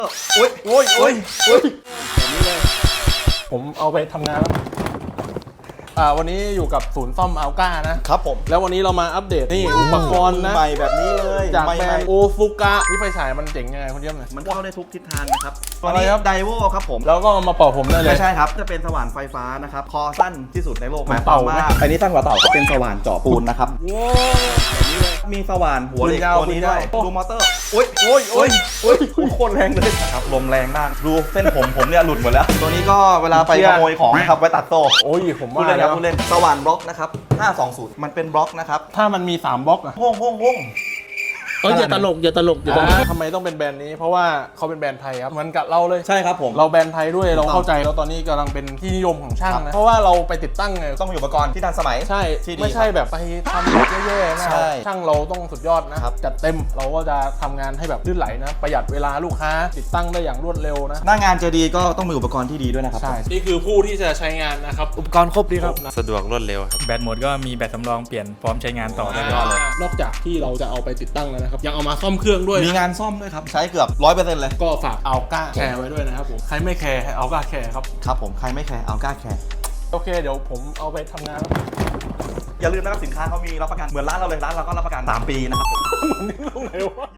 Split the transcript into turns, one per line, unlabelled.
โอ้ยโอ้ยโอ้ยโอ้ย
แบบนี้เลยผมเอาไปทำงานแล้ววันนี้อยู่กับศูนย์ซ่อมอัลก้านะครับ
ผม
แล้ววันนี้เรามาอัปเดตนี่อุปกรณ์นะ
ใหม่แบบนี้เลย
จาก
ใหม่
แบรนด์โอฟุกะนี่ไฟฉายมันเจ๋งยังไงคุณเยี่ยมเลย
มันเข้าได้ทุกทิศทางนะครับตัว
อะไร
นี้
ครับ
ไดโวครับผม
แล้วก็เอามาเป่าผมได้เลย
ไม่ใช่ครับจะเป็นสว่านไฟฟ้านะครับคอสั้นที่สุดในโลก
เหมือนเต่าไหม
อันนี้สั้นกว่าเต่าเป็นสว่านเจาะปูนนะครับ
ว้าวแบบนี้เลย
มีสว่านหัวเหล็ก
ปืนยาว
ตัวนี้ด้วย
ปืนยาว
ดูมอเตอร์โอ้ยโอ้ยโอ้ยโอ้ยโคตรแรงเลยครับลมแรงมากดูเส้นผมเนี่ยหลุดหมดแล้ว ตัวนี้ก็เวลาไปขโมยของนะครับไว้ตัดโซ่
โอ้ยผม
พูด
ว่า
เล่นค
แล้
รับ
ว
พูดเล่นสว่านบล็อกนะครับ520มันเป็นบล็อกนะครับ
ถ้ามันมี3บล็อกอะ
ห้อง
อย่าตลกอย่าตลกอย่าตลก
ทำไมต้องเป็นแบรนด์นี้เพราะว่าเขาเป็นแบรนด์ไทยครับเหมือนกับเราเลย
ใช่ครับผม
เราแบรนด์ไทยด้วยเราเข้าใจแล้วตอนนี้กำลังเป็นที่นิยมของช่างนะเพราะว่าเราไปติดตั้งไง
ต้องมีอุปกรณ์ที่ทันสมัย
ใช่
ที่ดี
ไม่ใช่แบบไปทำแย่ๆนะ
ใช่
ช่างเราต้องสุดยอดนะครับ จัดเต็มเราก็จะทำงานให้แบบลื่นไหลนะประหยัดเวลาลูกค้าติดตั้งได้อย่างรวดเร็วนะ
หน้างานจะดีก็ต้องมีอุปกรณ์ที่ดีด้วยนะครับ
ใช่นี่คือผู้ที่จะใช้งานนะครับ
อุปกรณ์ครบดีครับ
สะดวกรวดเร็วครับ
แบตหมดก็มีแบตสำรองเปลี่ยนพร้อมใช้งานต่อได้เลย
นอกจากที่เราจะเอาไปติดตั้งแล้วนะครับยังเอามาซ่อมเครื่องด้วย
มีงานซ่อมด้วยครับใช้เกือบ 100% เลย
ก็ฝากอัลก้าแคร์ไว้ด้วยนะครับผมใครไม่แคร์ให้อัลก้าแคร์ครับ
ครับผมใครไม่แคร์เอากล้าแคร์
โอเคเดี๋ยวผมเอาไปทำงานแล้ว
อย่าลืมนะครับสินค้าเขามีรับประกันเหมือนร้านเราเลยร้านเราก็รับประกัน3 ปีนะครับ
มันนี่ตรงไหนวะ